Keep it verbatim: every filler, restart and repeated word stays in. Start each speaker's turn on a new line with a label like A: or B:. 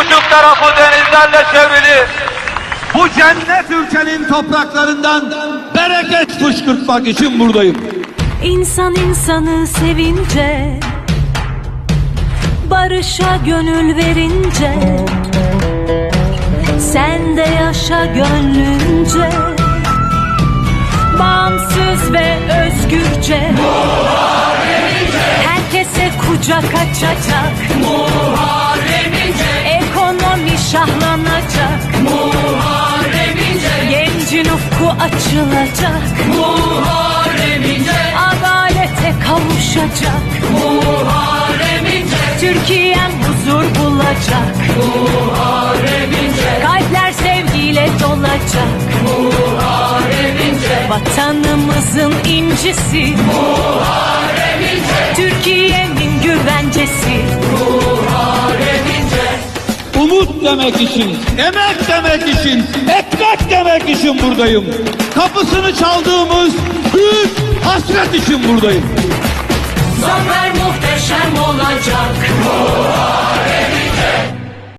A: buçuk tarafı denizlerle çevrili
B: Bu cennet ülkenin topraklarından bereket fışkırtmak için buradayım.
C: İnsan insanı sevince, barışa gönül verince, sen de yaşa gönlünce, bağımsız ve özgürce, herkese kucak açacak, ekonomi şahlanacak, gencin ufku açılacak, adalete kavuşacak, Türkiye'm huzur bulacak, kalpler sevgiyle dolacak, vatanımızın incisi, Türkiye'nin güvencesi.
B: Umut demek için, emek demek için, ekmek demek için buradayım. Kapısını çaldığımız büyük hasret için buradayım.